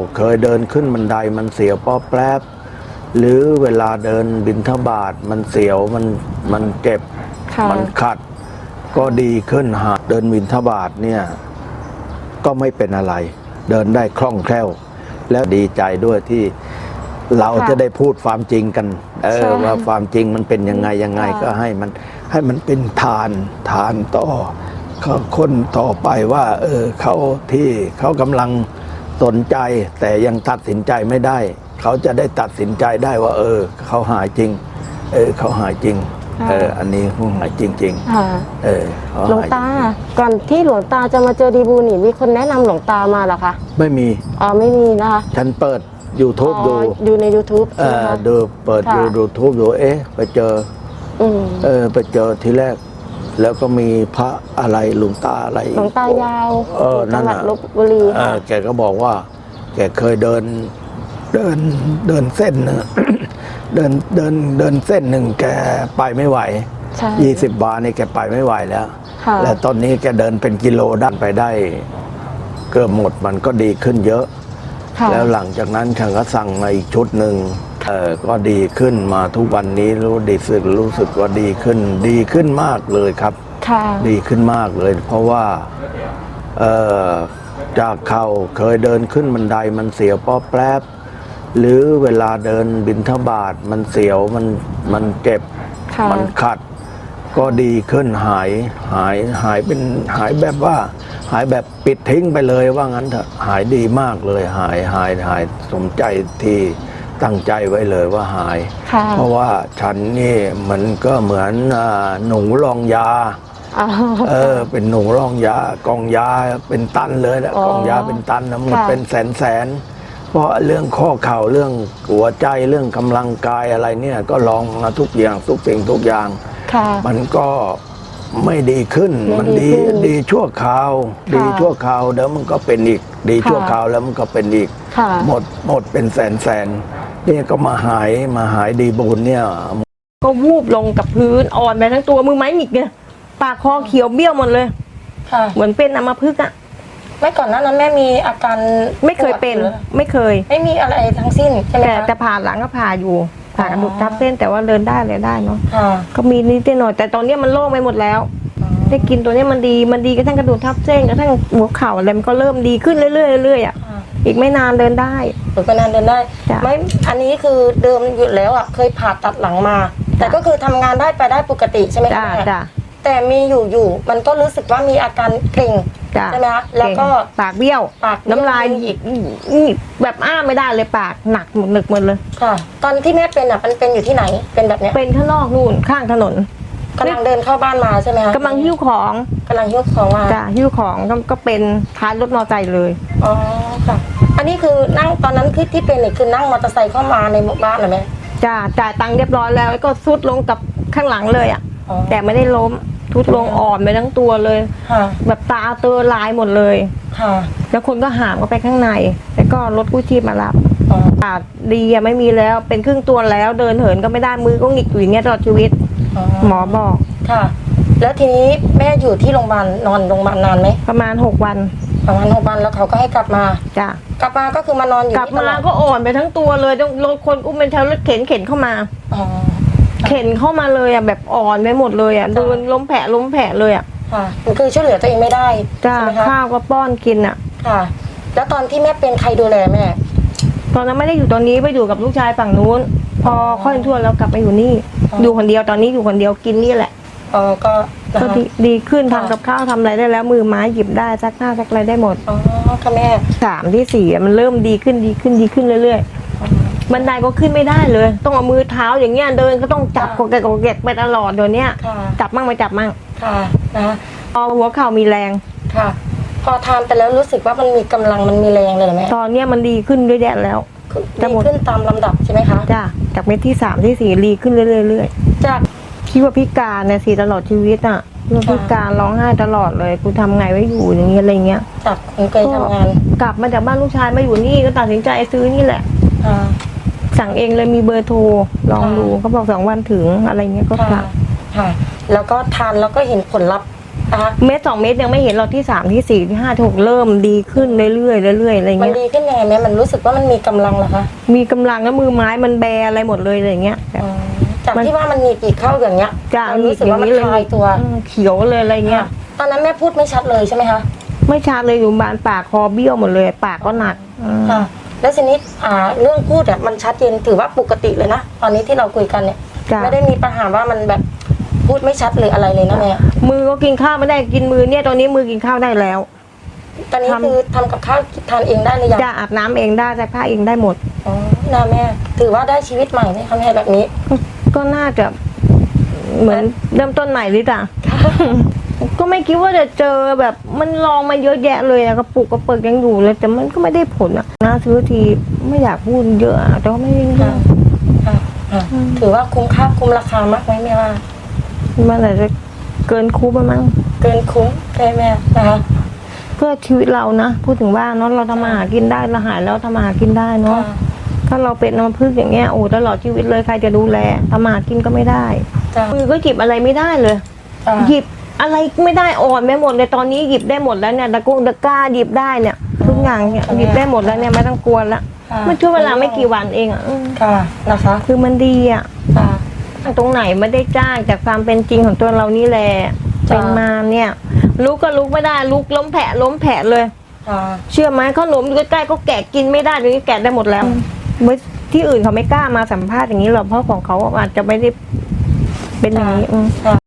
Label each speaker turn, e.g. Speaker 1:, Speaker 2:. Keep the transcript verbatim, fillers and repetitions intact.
Speaker 1: เคยเดินขึ้นบันไดมันเสียวป้อแป๊บหรือเวลาเดินบิณฑบาตมันเสียวมันมันเจ็บมันขัดก็ดีขึ้นหากเดินบิณฑบาตเนี่ยก็ไม่เป็นอะไรเดินได้คล่องแคล่วแล้วดีใจด้วยที่เราจะได้พูดความจริงกันเออว่าความจริงมันเป็นยังไงยังไงก็ให้มันให้มันเป็นทานทานต่อคนต่อไปว่าเออเขาที่เขากำลังสนใจแต่ยังตัดสินใจไม่ได้เขาจะได้ตัดสินใจได้ว่าเออเขาหายจริงเออเขาหายจริงเอออันนี้เขาหายจริงๆเออ
Speaker 2: หลวงตาก่อนที่หลวงตาจะมาเจอดีบูนี่มีคนแนะนำหลวงตามาเหรอคะ
Speaker 1: ไม่มี
Speaker 2: อ๋อไม่มีนะคะ
Speaker 1: ฉันเปิด YouTube ดู
Speaker 2: ดูใน YouTube
Speaker 1: เออดูเปิดดู YouTube ดูเอ๊ะไปเจอเออไปเจอทีแรกแล้วก็มีพระอะไรหลวงตาอะไร
Speaker 2: หลวงตายาว
Speaker 1: เออนั่นน่ะ
Speaker 2: ลพบุรี
Speaker 1: เออแกก็บอกว่าแกเคยเดินเดินเดินเส้นนึงเดินเดินเดินเส้นหนึ่งแกไปไม่ไหวยี่สิบบาทนี่แกไปไม่ไหวแล้วและตอนนี้แกเดินเป็นกิโลดันไปได้เกือบหมดมันก็ดีขึ้นเยอะแล้วหลังจากนั้นฉันก็สั่งมาอีกชุดหนึ่งเออก็ดีขึ้นมาทุกวันนี้รู้ดีสึกรู้สึกว่าดีขึ้นดีขึ้นมากเลยครับดีขึ้นมากเลยเพราะว่าเออจากเขาเคยเดินขึ้นบันไดมันเสียวป้อแป๊บหรือเวลาเดินบิณฑบาตมันเสียวมันมันเจ็บมันขัดก็ดีขึ้นหายหายหายเป็นหายแบบว่าหายแบบปิดทิ้งไปเลยว่างั้นเถอะหายดีมากเลยหายหายหายสมใจที่ตั้งใจไว้เลยว่าหายเพราะว่าฉันนี่มันก็เหมือนหนูรองยาเออเป็นหนูรองยากองยาเป็นตันเลยแหละกองยาเป็นตันนะมันเป็นแสนแสนเพราะเรื่องข้อเข่าเรื่องหัวใจเรื่องกำลังกายอะไรเนี่ยก็ลองมาทุกอย่างทุกสิ่งทุกอย่างมันก็ไม่ดีขึ้นมันดีดีชั่วคราวดีชั่วคราวเดี๋ยวมันก็เป็นอีกดีชั่วคราวแล้วมันก็เป็นอีกหมดหมดเป็นแสนแสนนี่ก็มาหายมาหายดีบุญเนี่ย
Speaker 3: ก็วูบลงกับพื้นอ่อนไปทั้งตัวมือไม้หงิกเนี่ยปากคอเขียวเบี้ยวหมดเลยเหมือนเป็นอัมพฤกษ์อะ
Speaker 2: ไม่ก่อนหน้านั้นแม่มีอาการ
Speaker 3: ไม่เคยเป็นไม่เคย
Speaker 2: ไม่มีอะไรทั้งสิ้นใช่ไหม
Speaker 3: แต่แต่ผ่าหลังก็ผ่าอยู่ผ่ากระดูกทับเส้นแต่ว่าเดินได้เลยได้เนาะก็มีนิดหน่อยแต่ตอนนี้มันโล่งไปหมดแล้วได้กินตัวนี้มันดีมันดีกระทั่งกระดูกทับเส้นกระทั่งหัวเข่าอะไรมันก็เริ่มดีขึ้นเรื่อยๆเรื่อยๆอ่ะอีกไม่นานเดินได้
Speaker 2: อีกไม่นานเดินได้ไม่อันนี้คือเดิมอยู่แล้วอ่ะเคยผ่าตัดหลังมาแต่ก็คือทำงานได้ไปได้ปกติใช่ไหมคะแต่มีอยู่อยู่มันก็รู้สึกว่ามีอาการเกร็งใช่ไหมคะแล้วก็
Speaker 3: ปากเบี้ยวปากน้ำลายอีกแบบอ้าไม่ได้เลยปากหนักหนึกหมดเลย
Speaker 2: ค่ะตอนที่แม่เป็นอ่ะมันเป็นอยู่ที่ไหนเป็นแบบนี้
Speaker 3: เป็นข้างนอกนู่นข้างถนน
Speaker 2: กำลังเดินเข้าบ้านมาใช่ไหมคะ
Speaker 3: กำลังหิ้วของ
Speaker 2: กำลังหิ้วของมา
Speaker 3: จ้ะหิ้วของก็เป็นท้ายรถมอเตอร์ไซค์เลย
Speaker 2: อ๋อค่ะอันนี้คือนั่งตอนนั้นคือที่เป็นเนี่ยคือนั่งมอเตอร์ไซค์เข้ามาในหมู่บ้านเหรอแม่
Speaker 3: จ้ะจ่ายตังค์เรียบร้อยแล้วก็ซุดลงกับข้างหลังเลยอ่ะแต่ไม่ได้ล้มทุดลงอ่อนไปทั้งตัวเลยแบบตาเตอลายหมดเลยแล้วคนก็หามก็ไปข้างในแล้วก็รถกู้ชีพมารับปากดีอะไม่มีแล้วเป็นครึ่งตัวแล้วเดินเหินก็ไม่ได้มือก็หงิกอยู่อย่างเงี้ยตลอดชีวิตหมอบอก
Speaker 2: ค่ะแล้วทีนี้แม่อยู่ที่โรงพยาบาลนอนโรงพยาบาลนานไหม
Speaker 3: ประมาณหกวัน
Speaker 2: ประมาณหกวันแล้วเขาก็ให้กลับมา
Speaker 3: จ้ะ
Speaker 2: กลับมาก็คือมานอนอยู่
Speaker 3: กลับมาก็อ่อนไปทั้งตัวเลยต้องรถคนอุ้มเป็นแถวรถเข็นเข็นเข้ามาเข็นเข้ามาเลยอ่ะแบบอ่อนไปหมดเลยอ่ะเดินล้มแผลล้มแผลเลยอ่ะ
Speaker 2: ค่ะคือช่วยเหลือตัวเองไม่ได้
Speaker 3: จ้าข้าวก็ป้อนกินอ่ะ
Speaker 2: ค่ะแล้วตอนที่แม่เป็นใครดูแลแม่
Speaker 3: ตอนนั้นไม่ได้อยู่ตอนนี้ไปอยู่กับลูกชายฝั่งนู้นพอค่อยทั่วแล้วกลับมาอยู่นี่อยู่คนเดียวตอนนี้อยู่คนเดียวกินนี่แหละ
Speaker 2: อ๋อก็
Speaker 3: ก็ดีขึ้นทำกับข้าวทำอะไรได้แล้วมือไม้หยิบได้ซักผ้าซักอะไรได้หมด
Speaker 2: อ๋อค่ะแม่
Speaker 3: สามที่สี่มันเริ่มดีขึ้นดีขึ้นดีขึ้นเรื่อยๆบันไดก็ขึ้นไม่ได้เลยต้องเอามือเท้าอย่างเงี้ยเดินก็ต้องจับกดเกะกดเกะไปตลอดเดี๋ยวนี้จับมั่งไม่จับมั่ง
Speaker 2: ค่ะนะ
Speaker 3: พอหัวเข่ามีแรง
Speaker 2: ค่ะพอทานไปแล้วรู้สึกว่ามันมีกำลังมันมีแรงเลยหรือไม่
Speaker 3: ตอนเนี้ยมันดีขึ้นด้วยแดดแล้ว
Speaker 2: จะขึ้นตามลำดับใช่ไหมคะ
Speaker 3: จ้าจากเม็ดที่สามที่สี่ดีขึ้นเรื่อย
Speaker 2: ๆจาก
Speaker 3: คิดว่าพิการเนี่ยสิตลอดชีวิตอ่ะว่าพิการร้องไห้ตลอดเลยกูทำไงไว้อยู่อย่างเงี้ยอะไรเงี้ย
Speaker 2: จากคนเคยทำงาน
Speaker 3: กลับมาจากบ้านลูกชายมาอยู่นี่ก็ตัดสินใจซื้อนี่แหละสั่งเองเลยมีเบอร์โทรลองดูเขาบอกสองวันถึงอะไรเงี้ยก็สั่ง
Speaker 2: ค่ะแล้วก็ทานแล้วก็เห็นผลลัพธ์อ่ะ
Speaker 3: เม็ดสองเม็ดยังไม่เห็นเราที่สามที่สี่ที่ห้าที่หกเริ่มดีขึ้นเรื่อยๆเรื่อยๆอะไร
Speaker 2: มัน
Speaker 3: เงี้ย
Speaker 2: ดีขึ้นยังไงแม่มันรู้สึกว่ามันมีกำลังเหรอคะ
Speaker 3: มีกำลังแล้วมือไม้มันแบอะไรหมดเลยอะไรเงี้ยแบบ
Speaker 2: อ๋อจากที่ว่ามันหนีบอีกเข้าอย่างเงี้ย
Speaker 3: จ้ะ
Speaker 2: เรารู้สึกว่ามัน
Speaker 3: หนีบอย่างนี้เลย
Speaker 2: คลายตัว
Speaker 3: อืมเขียวเลยอะไรเงี้ย
Speaker 2: ตอนนั้นแม่พูดไม่ชัดเลยใช่ไหมคะ
Speaker 3: ไม่ชัดเลยอยู่บ้านปากคอเบี้ยวหมดเลยปากก็หนักอืม
Speaker 2: ค่ะ แล้วทีนี้อ่าเรื่องพูดอ่ะมันชัดเจนถือว่าปกติเลยนะตอนนี้ที่เราคุยกันเนี่ย
Speaker 3: จ้ะ
Speaker 2: ไม่ได้มีปัญหาว่ามันแบบพูดไม่ชัดหรืออะไรเลยนะแม่
Speaker 3: มือก็กินข้าวไม่ได้กินมือเนี่ยตอนนี้มือกินข้าวได้แล้ว
Speaker 2: ตอนนี้
Speaker 3: ทำ
Speaker 2: คือทำกับข้าวทานเองได้หรือยัง
Speaker 3: จะอาบน้ำเองได้ซักผ้าเองได้หมด
Speaker 2: อ๋อนะแม่ถือว่าได้ชีวิตใหม่ไหมคะแม่แบบนี้
Speaker 3: ก็น่าจะเหมือนเริ่มต้นใหม่หรือจ้ะ ก็ไม่คิดว่าจะเจอแบบมันลองมาเยอะแยะเลยอะกระปุกกระเปิกยังอยู่เลย แต่มันก็ไม่ได้ผลอะน่าซื้อทีไม่อยากพูดเยอะอะแต่ก็ไม่ได้เย
Speaker 2: ค่ะ
Speaker 3: อะ
Speaker 2: ค่ะค่ะถือว่าคุ้มค่าคุ้มราคามากไหมแม่ว่า
Speaker 3: มันอาจจะเกินคุ้มไปมั้ง
Speaker 2: เกินคุ้มใช่แม่นะคะ
Speaker 3: เพื่อชีวิตเรานะพูดถึงว่าเนาะเราทำมาหากินได้เราหายแล้วทำมาหากินได้เนาะ
Speaker 2: ค่ะ
Speaker 3: ถ้าเราเป็นน้ำพึ่งอย่างเงี้ยโอ้ตลอดชีวิตเลยใครจะดูแลทำมาหากินก็ไม่ได้
Speaker 2: จ้ะ
Speaker 3: มือก็หยิบอะไรไม่ได้เลย
Speaker 2: จ้ะ
Speaker 3: หยิบอะไรไม่ได้อ่อนไปหมดเลยตอนนี้หยิบได้หมดแล้วเนี่ยตะกงตะกร้าหยิบได้เนี่ยทุกอย่างเนี่ยหยิบได้หมดแล้วเนี่ยไม่ต้องกลัวละ
Speaker 2: ค่ะ
Speaker 3: มันช่วงเวลาไม่กี่วันเองอ่ะอืม
Speaker 2: ค่ะนะคะ
Speaker 3: คือมันดีอ่ะ
Speaker 2: ค่ะ
Speaker 3: ตรงไหนไม่ได้จ้างจากความเป็นจริงของตัวเรานี่แหละ
Speaker 2: จ้ะ
Speaker 3: เป็นมาเนี่ยลุกก็ลุกไม่ได้ลุกล้มแผลล้มแผลเลย
Speaker 2: ค่ะ
Speaker 3: เชื่อไหมขนมอยู่ใกล้ๆก็แกะกินไม่ได้เดี๋ยวนี้แกะได้หมดแล้วเมื่อที่อื่นเขาไม่กล้ามาสัมภาษณ์อย่างนี้หรอกเพราะของเขาอาจจะไม่ได้เป็นอย่างนี้อืม
Speaker 2: ค่ะ